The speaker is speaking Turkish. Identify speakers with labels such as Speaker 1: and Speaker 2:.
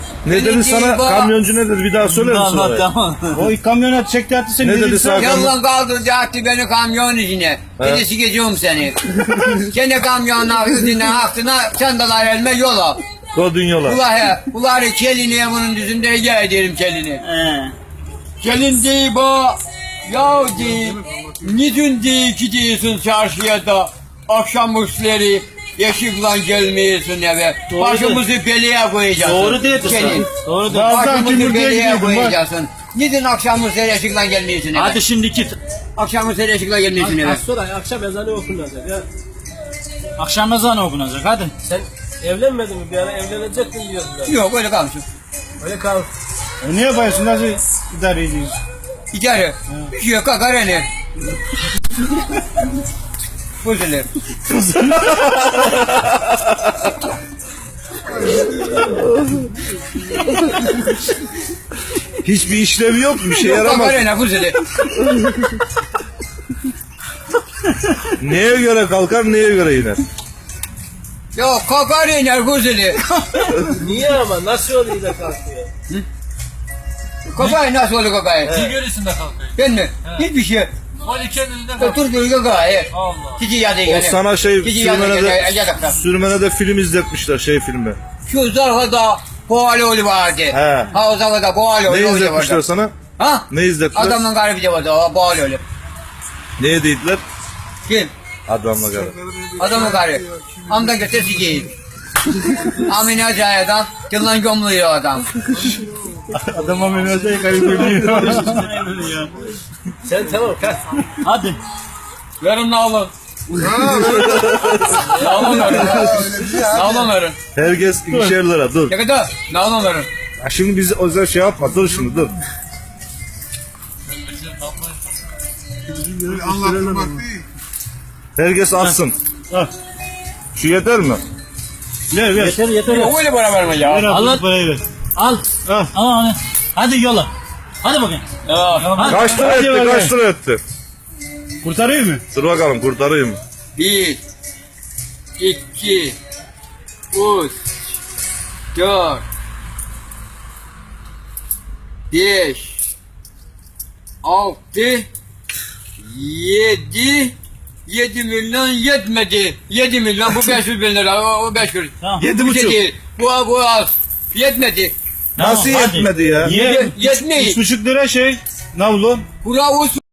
Speaker 1: Ne dedi sana? Kamyoncu ne dedi? Bir daha söyler misin
Speaker 2: Tamam
Speaker 1: orayı?
Speaker 2: tamam.
Speaker 3: O kamyonet çekti attı seni.
Speaker 1: Ne dedi sana?
Speaker 4: Yoldan kaldırdı attı beni kamyon içine. Dedi sikeceğim seni. Kendi kamyonun üstünden aklına çandalar elime yola.
Speaker 1: Kodun yola.
Speaker 4: Uları kelini bunun düzünde gel derim kelini. Gelin değil bu. Ya değil. Nidün değil gidiyorsun çarşıya da akşam üstleri ışıkla gelmiyorsun eve.
Speaker 3: Doğru
Speaker 4: Başımızı beleye koyacaksın.
Speaker 3: Doğru dedi
Speaker 4: Gelin.
Speaker 3: sana. Doğru dedi.
Speaker 4: Başımızı beleye koyacaksın. Nidün akşam üstleri ışıkla gelmiyorsun eve.
Speaker 3: Hadi şimdi git.
Speaker 4: Akşam üstleri ışıkla gelmiyorsun eve.
Speaker 5: Az sonra akşam ezanı okunacak ya.
Speaker 3: Akşam ezanı okunacak hadi.
Speaker 5: Sen evlenmedin mi? Bir ara evlenecektin diyordular.
Speaker 4: Yok öyle kalmışım.
Speaker 5: Öyle kal.
Speaker 3: Ne yapıyorsun? Nasıl idare ediyorsun?
Speaker 4: İçeri. Bir şey yok kakar iner. Fuzulur.
Speaker 1: Hiçbir işlevi yok mu? Bir şey yaramaz.
Speaker 4: Kakar iner fuzulur.
Speaker 1: Neye göre kalkar, neye göre iner?
Speaker 4: Yok kakar iner fuzulur.
Speaker 5: Niye ama? Nasıl oluyor da kalkıyor?
Speaker 4: Kakay nasıl olur kakay?
Speaker 2: Tigörisinde kalkıyor.
Speaker 4: Ben mi? Hiçbir şey.
Speaker 2: Vali kendinde kalkıyor.
Speaker 4: Otur dur kakay.
Speaker 2: Allah.
Speaker 4: Cici yadı
Speaker 1: O
Speaker 4: gene.
Speaker 1: sana şey
Speaker 4: Cici yadı gene.
Speaker 1: sürmenede film izletmişler, şey filmi.
Speaker 4: Şu zarfada Boğalıoğlu vardı.
Speaker 1: He.
Speaker 4: Ha o zarfada Boğalıoğlu
Speaker 1: Ne
Speaker 4: vardı.
Speaker 1: izletmişler sana?
Speaker 4: Ha?
Speaker 1: Ne izlettiler?
Speaker 4: Adamın garibi de vardı o Boğalıoğlu.
Speaker 1: Neye dediler?
Speaker 4: Kim?
Speaker 1: Adamla kadar.
Speaker 4: Adamın garibi. Amdan götür sikeyim. Amine Acaya'dan yıllan gömülüyor adam.
Speaker 3: Adama münazayı kaybediyor.
Speaker 5: Sen tamam kalk.
Speaker 3: Hadi.
Speaker 4: Verin alın. Alın verin. Alın verin.
Speaker 1: Herkes 2'şer lira, dur.
Speaker 4: Ne kadar? Alın verin.
Speaker 1: Ha, şimdi biz o yüzden şey yapma, dur şimdi, dur.
Speaker 6: Anlattırmak değil.
Speaker 1: Herkes atsın.
Speaker 3: Al.
Speaker 1: Şu yeter mi?
Speaker 3: Ver ver.
Speaker 5: Yeter yeter.
Speaker 4: Yok öyle para verme ya.
Speaker 3: Ver abi
Speaker 2: Allah-
Speaker 3: bu parayı ver.
Speaker 2: Al.
Speaker 3: Al.
Speaker 2: Al onu. Hadi yola. Hadi bakayım.
Speaker 4: Ya.
Speaker 1: Kaç lira
Speaker 3: Hadi
Speaker 1: etti,
Speaker 3: bakalım.
Speaker 1: kaç lira etti?
Speaker 3: Kurtarıyor mu?
Speaker 1: Dur bakalım, kurtarayım.
Speaker 4: 1 2 3 4 5 6 7 milyon yetmedi. 7 milyon bu 500 bin lira o 5 kuruş.
Speaker 2: Tamam.
Speaker 1: 7,5.
Speaker 4: Değil. Bu az. Yetmedi.
Speaker 1: Nasıl
Speaker 2: Tamam, hadi.
Speaker 1: yetmedi ya?
Speaker 3: Ye.
Speaker 4: Yetmeyi.
Speaker 3: 3,5 lira şey. Navlu.
Speaker 4: Bravo.